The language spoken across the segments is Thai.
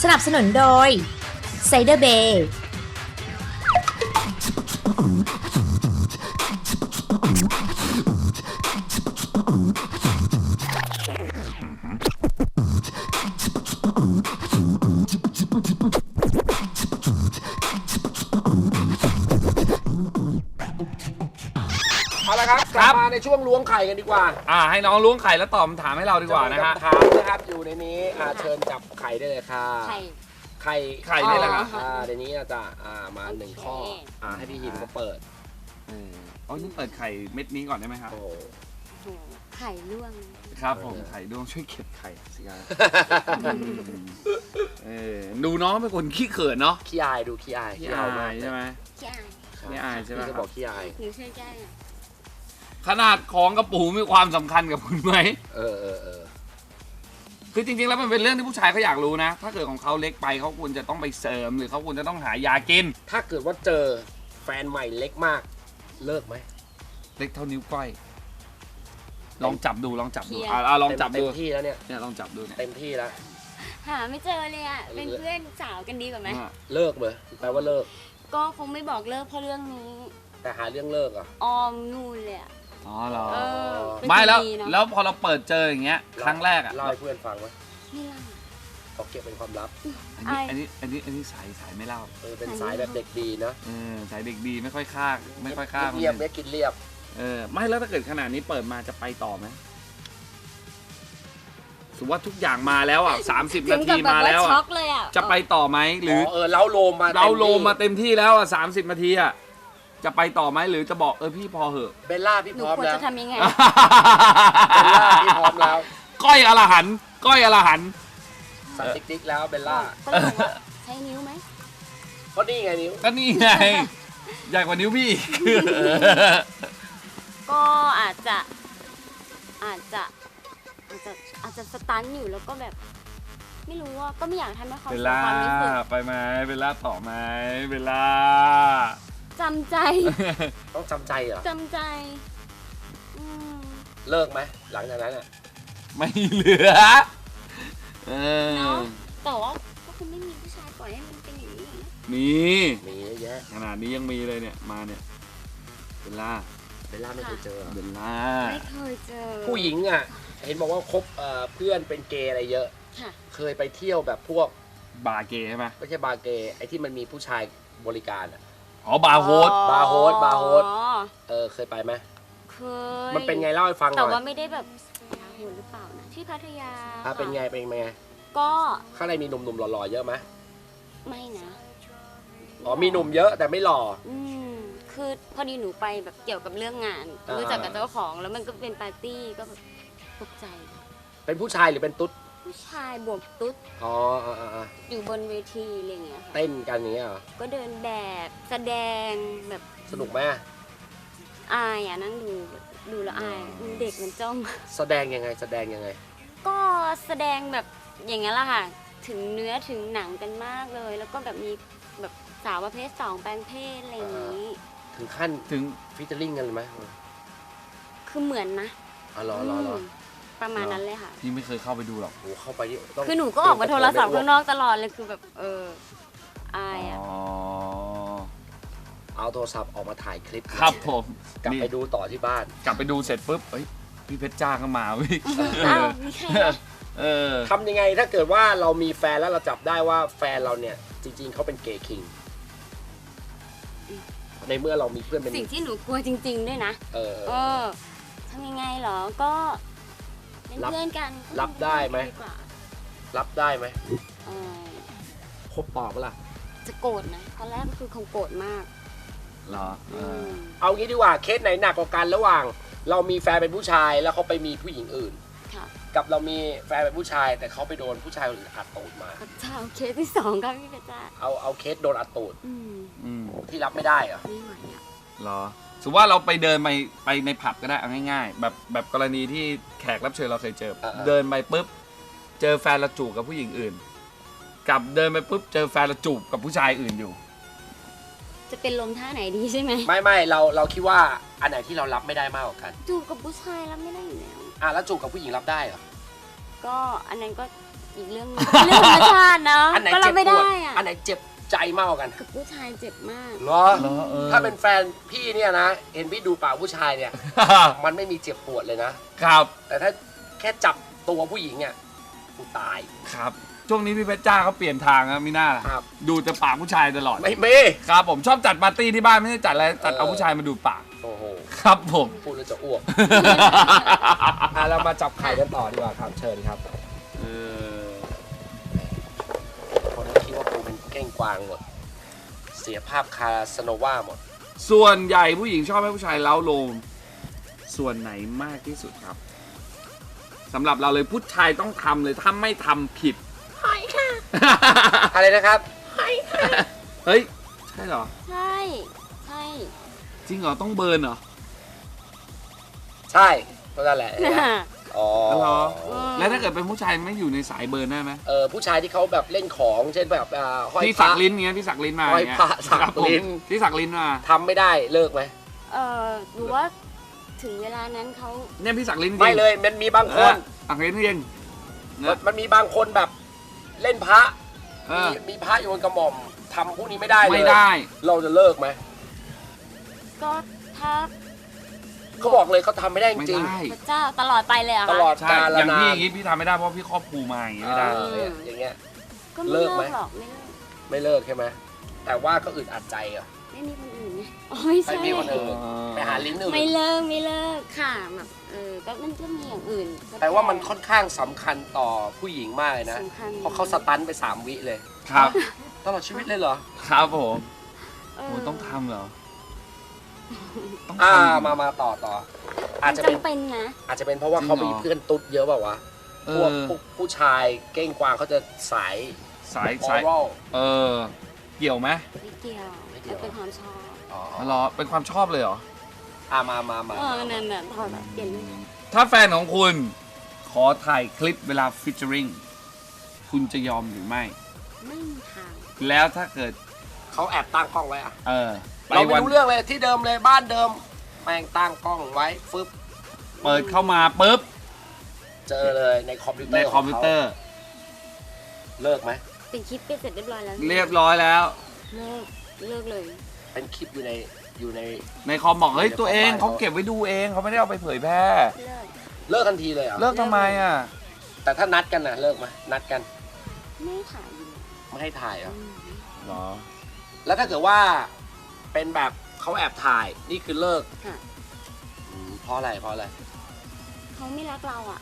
นับสนุนโดยไซเดอร์เบย์เอาละครับกลับมาในช่วงล้วงไข่กันดีกว่าให้น้องล้วงไข่แล้วตอบคำถามให้เราดีกว่านะฮะถามนะครับอยู่ในนี้เชิญจับไข่ได้เลยค่ะไข่นี่แหละครับในนี้จะมา1ข้อให้พี่หินเขาเปิดนี่เปิดไข่เม็ดนี้ก่อนได้ไหมครับไข่ล่วงครับผมไข่ล่วงช่วยเก็บไข่สิครับดูน้องเป็นคนขี้เขินเนาะขี้อายดูขี้อายใช่ไหมขี้อายใช่ไหมจะบอกขี้อายหนูช่วยแก้ขนาดของกระปูมีความสำคัญกับคุณไหมคือจริงๆแล้วมันเป็นเรื่องที่ผู้ชายเขาอยากรู้นะถ้าเกิดของเขาเล็กไปเขาควรจะต้องไปเสริมหรือเขาควรจะต้องหายากินถ้าเกิดว่าเจอแฟนใหม่เล็กมากเลิกไหมเล็กเท่านิ้วก้อยลองจับดูลองจับดูลองจับดูเต็มที่แล้วเนี่ยลองจับดูเนี่ยเต็มที่แล้วหาไม่เจอเลยอ่ะเป็นเพื่อนสาวกันดีกว่าไหมเลิกเหรอแปลว่าเลิกก็คงไม่บอกเลิกเพราะเรื่องนี้แต่หาเรื่องเลิกอ่ะออมนู่นเลยเหรอไม่แล้วพอเราเปิดเจออย่างเงี้ยครั้งแรกอ่ะเล่าให้เพื่อนฟังไหมไม่เล่าเขาเก็บเป็นความลับอันนี้สายไม่เล่าเป็นสายแบบเด็กดีนะสายเด็กดีไม่ค่อยฆ่าเรียบไม่กินเรียบไม่แล้วถ้าเกิดขนาดนี้เปิดมาจะไปต่อไหมสมมติว่าทุกอย่างมาแล้ว30 นาทีมาแล้วจะไปต่อไหมหรือเล้าโลมมาเต็มที่แล้ว30 นาทีจะไปต่อไหมหรือจะบอกพี่พอเหอะเบลล่าพี่พร้อมแล้วจะทำยังไงเบลล่าพี่พร้อมแล้วก้อยอรหันสันติกแล้วเบลล่าใช้นิ้วไหมก็นี่ไงนิ้วก็นี่ไงใหญ่กว่านิ้วพี่ก็อาจจะสตันอยู่แล้วก็แบบไม่รู้ว่าก็ไม่อยากทำให้เขาเสียความรู้สึกไปไหมเบลล่าต่อไหมเบลล่าจำใจต้องจำใจเหรอจำใจเลิกไหมหลังจากนั้นไม่เหลือเนาะแต่ว่าก็คงไม่มีผู้ชายปล่อยให้มันเป็นอย่างนี้มีเยอะแยะขนาดนี้ยังมีเลยเนี่ยมาเนี่ยเบลล่าไม่เคยเจอเบลล่าไม่เคยเจอผู้หญิงเห็นบอกว่าคบเพื่อนเป็นเกย์อะไรเยอะเคยไปเที่ยวแบบพวกบาร์เกย์ใช่ไหมไม่ใช่บาร์เกย์ไอ้ที่มันมีผู้ชายบริการบาร์โฮสเคยไปไหมเคยมันเป็นไงเล่าให้ฟังหน่อยแต่ว่าไม่ได้แบบบาร์โฮสหรือเปล่านะที่พัทยาเป็นไงก็ข้างในมีหนุ่มๆหล่อๆเยอะไหมไม่นะมีหนุ่มเยอะแต่ไม่หล่อคือพอดีหนูไปแบบเกี่ยวกับเรื่องงานรู้จักกับเจ้าของแล้วมันก็เป็นปาร์ตี้ก็แบบตกใจเป็นผู้ชายหรือเป็นตุ๊ดผู้ชายบวกตุ๊ดอยู่บนเวทีอะไรเงี้ยเต้นกันอย่างเงี้ยก็เดินแบบแสดงแบบสนุกไหมอายนั่งดูแล้วอายเด็กมันจ้องแสดงยังไงก็แสดงแบบอย่างงี้แหละค่ะถึงเนื้อถึงหนังกันมากเลยแล้วก็แบบมีแบบสาวประเภท2แปลงเพศอะไรอย่างนี้ถึงขั้นถึงฟิชเชอร์ลิงกันเลยไหมคือเหมือนนะรอประมาณนั้นเลยค่ะพี่ไม่เคยเข้าไปดูหรอกเข้าไปคือหนูก็ออกมาโทรศัพท์ข้างนอกตลอดเลยคือแบบอายเอาโทรศัพท์ออกมาถ่ายคลิปครับผมกลับไปดูต่อที่บ้านกลับไปดูเสร็จปุ๊บพี่เพชรจ้าก็มาวิทำยังไงถ้าเกิดว่าเรามีแฟนแล้วเราจับได้ว่าแฟนเราเนี่ยจริงๆเขาเป็นเกย์คิงในเมื่อเรามีเพื่อนเป็นสิ่งที่หนูกลัวจริงๆด้วยนะทำยังไงเหรอก็เป็นเพื่อนกันรับได้ไหมคบต่อเปล่าจะโกรธนะตอนแรกก็คือคงโกรธมากเหรอเอางี้ดีกว่าเคสไหนหนักกว่ากันระหว่างเรามีแฟนเป็นผู้ชายแล้วเขาไปมีผู้หญิงอื่นกับเรามีแฟนเป็นผู้ชายแต่เขาไปโดนผู้ชายอื่นอัดตูดมาเอาเคสที่2ครับพี่เพชรจ้าเอาเคสโดนอัดตูดที่รับไม่ได้เหรอไม่ไหวเหรอสมมติว่าเราไปเดินไปในผับก็ได้เอาง่ายๆแบบกรณีที่แขกรับเชิญเราเคยเจอเดินไปปุ๊บเจอแฟนเราจูบกับผู้หญิงอื่นกับเดินไปปุ๊บเจอแฟนเราจูบกับผู้ชายอื่นอยู่จะเป็นลมท่าไหนดีใช่ไหมไม่เราคิดว่าอันไหนที่เรารับไม่ได้มากกว่ากันจูบกับผู้ชายรับไม่ได้อยู่แล้วแล้วจูบกับผู้หญิงรับได้เหรอก็อันนั้นก็อีกเรื่องหนึงเรื่องธรรมชาติเนาะอันไหนก็เจ็เราบไม่ปได้วดอะอันไหนเจ็บใจมากกว่ากันกับผู้ชายเจ็บมากเหรอเหรอเออถ้าเป็นแฟนพี่เนี่ยนะ เห็นพี่ดูปากผู้ชายเนี่ย มันไม่มีเจ็บปวดเลยนะครับแต่ถ้าแค่จับตัวผู้หญิงเนี่ยกูตายครับช่วงนี้พี่เพชรจ้าเขาเปลี่ยนทางครับมิน่าล่ะครับดูแต่ปากผู้ชายตลอดไม่เม่ครับผมชอบจัดปาร์ตี้ที่บ้านไม่ได้จัดอะไรจัดเอาผู้ชายมาดูปากโอ้โหครับผมพูดแล้วจะอ้วก เรามาจับไข่กันต่อดีกว่าครับ เชิญครับเออคนคิดว่ากูเป็นเก้งกวางหมด เสียภาพคาสโนวาหมดส่วนใหญ่ผู้หญิงชอบให้ผู้ชายเล้าโลมส่วนไหนมากที่สุดครับสำหรับเราเลยผู้ชายต้องทำเลยถ้าไม่ทำผิดอะไรนะครับเฮ้ย ใช่เหรอใช่ใช่จริงเหรอ ต้องเบิร์นเหรอใช่ก็นั่นแหละ อ๋อเหรอ แล้วถ้าเกิดเป็นผู้ชายไม่อยู่ในสายเบิร์นได้ไหมผู้ชายที่เขาแบบเล่นของเช่นแบบห้อยที่พสัระกลิ้นเงี้ยที่สักลิ้นมาห้อยเงี้ยพระสักครับผมลิ้นที่สักลิ้นมาทำไม่ได้เลิกไหมหรือว่าถึงเวลานั้นเขาเนี่ยพี่สักลิ้นจริงไม่เลย มันมีบางคนสักลิ้นจริงนะมันมีบางคนแบบเล่นพระเออมีพระอยู่บนกระหม่อมทำพวกนี้ไม่ได้เลยไม่ได้เราจะเลิกไหมก็ถ้าเขาบอกเลยเขาทำไม่ได้จไม่ริงได้พระเจ้าตลอดไปเลยเหรอะตลอดใช่กาลอย่างนาพี่นอย่างงี้พี่ทำไม่ได้เพราะพี่ครอบครูมาอย่างงี้ไม่ได้อย่างเงี้ยก็ไม่เลิเลิกกไหมหรอกไม่เลิกไม่เลิกใช่ไหมแต่ว่าก็อึดอัดใจอ่ะไม่มีคนอื่นไงอ๋อไม่ไปใช่มีคนอื่นไปหาลิ้นอื่นไม่เลิกค่ะแบบก็มันก็มีอย่างอื่นก็แต่ว่ามันค่อนข้างสำคัญต่อผู้หญิงมากเลยนะสำคัญเพราะเขาสตันไป3 วิเลยครับตลอดชีวิตเลยเหรอครับผมเอโอ้ต้องทำเหรอ ต้องอ่าทำมาต่อ อาจจะเป็นจำเป็นนะอาจจะเป็นเพราะว่าเขาจริมีงเหรอเพื่อนตุ๊ดเยอะเปล่าวะเอพวกอผู้ชายเก้งกวางเขาจะสายสายออสายรัลเออ เกี่ยวไหมไม่เกี่ยวไม่เกี่ยวมันเป็นความชอบอ๋อเหรอเป็นความชอบเลยเหรอมานั่นน่ะถอดแบบเปลี่ยนเลยถ้าแฟนของคุณขอถ่ายคลิปเวลาฟิชเจอริงคุณจะยอมหรือไม่ไม่มีทางแล้วถ้าเกิดเขาแอบตั้งกล้องไว้อะเออไปเราไม่วันรู้เรื่องเลยที่เดิมเลยบ้านเดิมแม่งตั้งกล้องไว้ฟึบเปิดเข้ามาปุ๊บเจอเลยในคอมพิวเตอในร์คอมพิวเตอร์เลิกไหมเป็นคลิปไปเสร็จเรียบร้อยแล้วเรียบร้อยแล้วเลิกเลยเป็นคลิปอยู่ในในคอมบอกเฮ้ยในตัวเองคอมเขาเก็บไว้ดูเองเขาไม่ได้เอาไปเผยแพร่เลิกเลิกทันทีเลยเหรอเลิกทำไมอ่ะแต่ถ้านัดกันนะเลิกไหมนัดกันไม่ถ่ายอยู่ไม่ให้ถ่ายเหรอหรอแล้วถ้าเกิดว่าเป็นแบบเขาแอบถ่ายนี่คือเลิกค่ะเพราะอะไรเขาไม่รักเราอ่ะ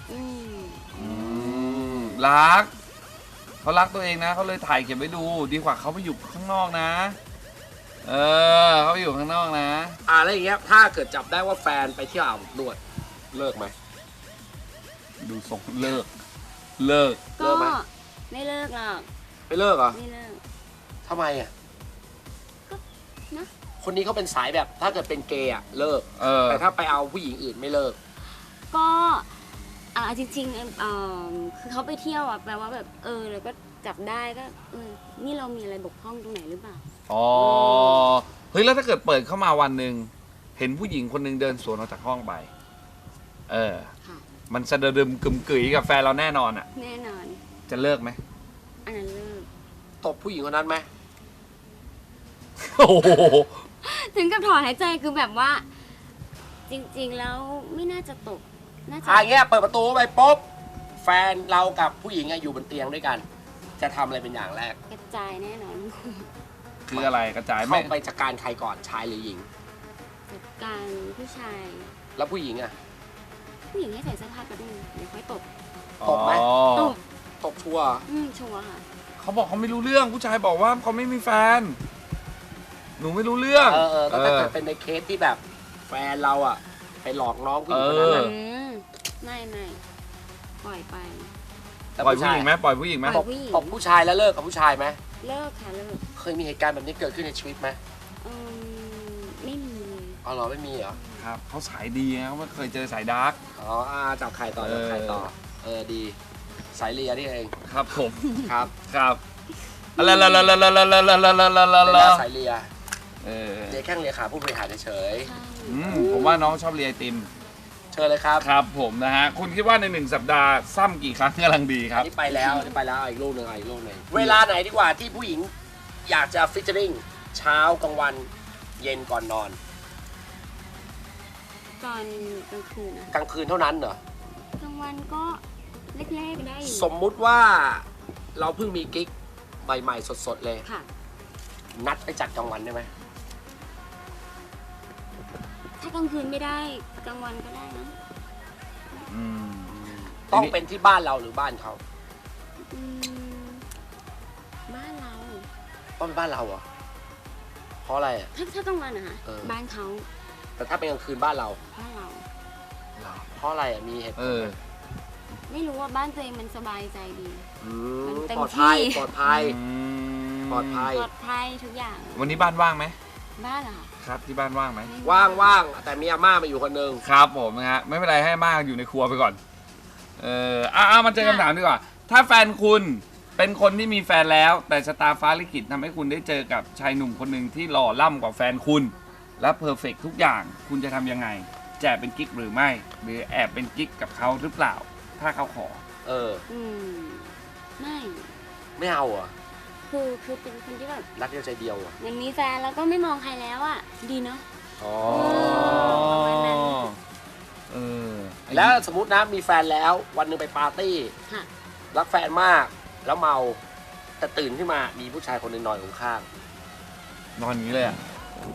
รักเขารักตัวเองนะเขาเลยถ่ายเก็บไว้ดูดีกว่าเขาไปอยู่ข้างนอกนะ เออเขาไปอยู่ข้างนอกนะแล้วอย่างเงี้ยถ้าเกิดจับได้ว่าแฟนไปเที่ยวอาบอบนวดเลิกไหมดูทรงเลิก เลิกเลิก็กไหมไม่เลิกหรอกไม่เลิกเหรอไม่เลิกทำไมอ่ะก็นะคนนี้เขาเป็นสายแบบถ้าเกิดเป็นเกย์อะเลิกเออแต่ถ้าไปเอาผู้หญิงอื่นไม่เลิกก็จริงๆคือเขาไปเที่ยวอ่ะแปลว่าแบบแล้วก็จับได้ก็นี่เรามีอะไรบกพร่องตรงไหนหรือเปล่าอ๋อ เฮ้ยแล้วถ้าเกิดเปิดเข้ามาวันหนึ่งเห็นผู้หญิงคนหนึ่งเดินสวนออกจากห้องไป เออค่ะมันสะดึมกึ่มกึ๋ยกับแฟนเราแน่นอนอ่ะแน่นอนจะเลิกไหมอันนั้นเลิกตบผู้หญิงคนนั้นไหมโอ้โหถึงกับถอนหายใจคือแบบว่า จริงๆแล้วไม่น่าจะตกน่าจะอย่างเงี้ยเปิดประตูไปปุ๊บแฟนเรากับผู้หญิงอะอยู่บนเตียงด้วยกัน จะทำอะไรเป็นอย่างแรกกระจายแน่นอนคืออะไรกระจายไหมเข้าไปจัดการใครก่อนชายหรือหญิงจัดการผู้ชายแล้วผู้หญิงอะผู้หญิงให้ใส่เสื้อผ้ากระดุมเดี๋ยวค่อยตบตบไหมอ๋อตบตบชัวร์ชัวร์ค่ะเขาบอกเขาไม่รู้เรื่องผู้ชายบอกว่าเขาไม่มีแฟน หนูไม่รู้เรื่องแล้วถ้าเกิดเป็นในเคสที่แบบแฟนเราอะไปหลอกน้องผู้หญิงคนนั้นเออะอไม่ปล่อยไปแต่ปล่อยผู้หญิงไหมปล่อยผู้หญิงไหมปล่อยผู้หญิงตบผู้ชายแล้วเลิกกับผู้ชายไหมเลิกค่ะเลิกเคยมีเหตุการณ์แบบนี้เกิดขึ้นในชีวิตไหมไม่มีเลยอ๋อเหรอไม่มีเหรอครับเขาสายดีนะเขาไม่เคยเจอสายดาร์กอ๋อจับใครต่อจับใครต่อดี สายเลียนี่เองครับผมครับครับอะไรละละละละละละละละละละเป็นละสายเลียเออเลียแข้งเลียขาผู้บริหารเฉยใช่ผมว่าน้องชอบเรียนไอติมเชิญเลยครับครับผมนะฮะคุณคิดว่าใน1 สัปดาห์ซ้ำกี่ครั้งกำลังดีครับนี่ไปแล้วนี่ไปแล้วอีกลูกหนึ่งอีกลูกหนึ่งเวลาไหนดีกว่าที่ผู้หญิงอยากจะฟิชเชอริงเช้ากลางวันเย็นก่อนนอนตอนกลางคืนนะกลางคืนเท่านั้นเหรอกลางวันก็แรกๆได้อยู่สมมุติว่าเราเพิ่งมีกิ๊กใหม่ๆสดๆเลยค่ะนัดไปจัดกลางวันได้ไหมถ้ากลางคืนไม่ได้กลางวันก็ได้นะอืมต้องเป็นที่บ้านเราหรือบ้านเขาอืมบ้านเราต้องเป็นบ้านเราเหรอเพราะอะไรอ่ะถ้ากลางวันอะคะเออบ้านเขาแต่ถ้าเป็นกลางคืนบ้านเราบ้านเราเพราะอะไรอ่ะมีเหตุผเอลอไหมไม่รู้ว่าบ้านตัวเองมันสบายใจดี มันเต็มปลอดภัยที่ปลอดภัย ปลอดภัยปลอดภัยทุกอย่างวันนี้บ้านว่างไหมบ้านเหรอคะครับที่บ้านว่างไหมไม่ว่างๆแต่มีอาม่ามาอยู่คนหนึ่งครับผมนะฮะไม่เป็นไรให้มากอยู่ในครัวไปก่อนมาเจอคำถามดีกว่า ถ้าแฟนคุณเป็นคนที่มีแฟนแล้ว แต่ชะตาฟ้าลิขิตทำให้คุณได้เจอกับชายหนุ่มคนหนึ่งที่หล่อล่ำกว่าแฟนคุณ และเพอร์เฟกทุกอย่างคุณจะทำยังไงจะเป็นกิ๊กหรือไม่ หรือแอบเป็นกิ๊กกับเขาหรือเปล่า ถ้าเขาขออืมไม่ไม่เอาเหรอ่ะคือเป็นคนที่แบบรักเดียวใจเดียวอ่ะมันมีแฟนแล้วก็ไม่มองใครแล้วอ่ะ ดีเนาะอ๋อประมาณนั้นเออแล้วสมมตินะมีแฟนแล้ววันหนึ่งไปปาร์ตี้ค่ะรักแฟนมากแล้วเมาแต่ตื่นขึ้นมามีผู้ชายคนหนึ่งนอนอยู่ข้างนอนอย่างนี้เลยอ่ะ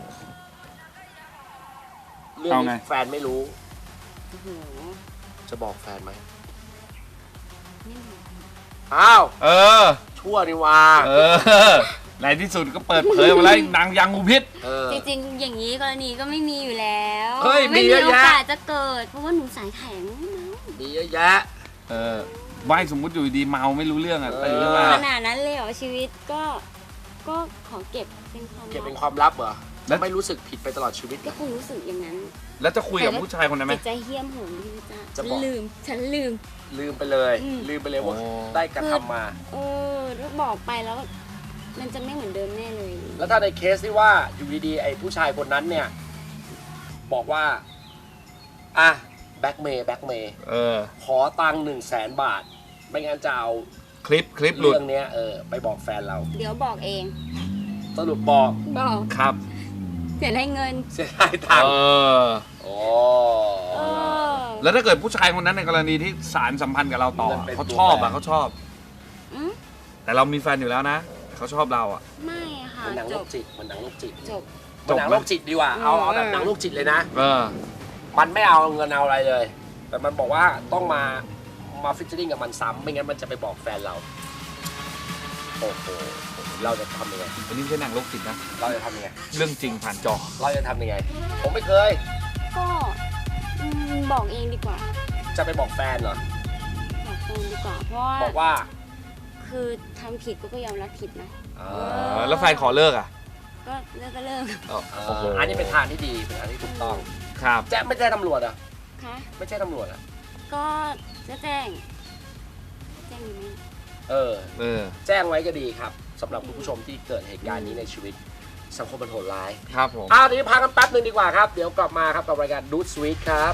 เรื่องเอาไงนี้แฟนไม่รู้โอ้โหจะบอกแฟนไหมไม่รู้อ้าวเออชั่วนี่ว่าเออในที่สุดก็เปิดเผยมาแล้วนางยังงูพิษจริงๆอย่างนี้กรณีก็ไม่มีอยู่แล้วเฮ้ยไม่มีมีเยอะโอแยะกาสจะเกิด เพราะว่าหนูสายแข็งนะมีเยอะแยะเออไม่สมมุติอยู่ดีเมาไม่รู้เรื่องอ่ะเออตื่นขึ้นมาขนาดนั้นเลยเหรอชีวิตก็ขอเก็บเป็นความเก็บเป็นลับความลับเหรอแล้วไม่รู้สึกผิดไปตลอดชีวิตเหรก็อคงรู้สึกอย่างนั้นแล้วจะคุยกับผู้ชายคนนั้นไหมจิตใจเหี้ยมโหดพี่จ้าจะฉันบอกลืมลืมไปเลยอืมลืมไปเลยว่าโอ้ได้กระทำมาถ้าบอกไปแล้ว มันจะไม่เหมือนเดิมแน่เลยแล้วถ้าในเคสที่ว่าอยู่ดีๆไอ้ผู้ชายคนนั้นเนี่ย บอกว่าอ่ะแบ็กเมย์เออขอตังค์100,000 บาท ไม่งั้นจะเอาคลิปหลุดเรื่องเนี้ยไปบอกแฟนเราเดี๋ยวบอกเองสรุปบอกบอกครับเสียได้เงินเสียดายตังเอค์อโอ้เออแล้วถ้าเกิดผู้ชายคนนั้นในกรณีที่สารสัมพันธ์กับเราต่ออะเขาชอบอ่ะเขาชอบอืมแต่เรามีแฟนอยู่แล้วนะเขาชอบเราอ่ะไม่ค่ะมันหนังจโรบคจิตมันหนังโรคจิตจบมันหนังโรคจิตดีกว่าเอาอืมแบบหนังโรคจิตเลยนะเออมันไม่เอาเงินเอาอะไรเลย แต่มันบอกว่าต้องมาฟิชเชอริงกับมันซ้ำไม่งั้นมันจะไปบอกแฟนเรา โอ้โห เราจะทำยังไงอันนี้ไม่ใช่หนังโรคจิตนะเราจะทำยังไงเรื่องจริงผ่านจอเราจะทำยังไง ผมไม่เคยก็บอกเองดีกว่าจะไปบอกแฟนเหรอบอกเองดีกว่า เพราะว่าบอกว่าคือทำผิดก็ยอมรับผิดนะแล้วแฟนขอเลิกอ่ะก็เลิกก็เลิกโอ้โหอันนี้เป็นทางที่ดี เป็นทางที่ถูกต้องครับแจ้งไม่ใช่ตำรวจอ่ะคะไม่ใช่ตำรวจอ่ะก็จะแจ้งดีไหมเออเออแจ้งไว้ก็ดีครับสำหรับคุณผู้ชมที่เกิดเหตุการณ์นี้ในชีวิต สังคมมันโหดร้ายครับผมเดี๋ยวพักกันแป๊บนึงดีกว่าครับ เดี๋ยวกลับมาครับกับรายการดูดสวีทครับ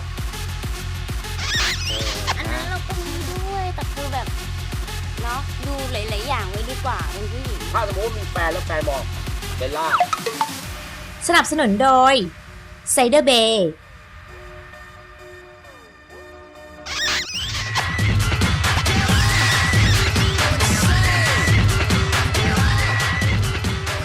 อันนั้นเราก็มีด้วย แต่คือแบบเนาะดูหลายๆอย่างไว้ดีกว่าเป็นผู้หญิงถ้าสมมติว่ามีแฟนแล้วแฟนบอกเบลล่าสนับสนุนโดยไซเดอร์เบย์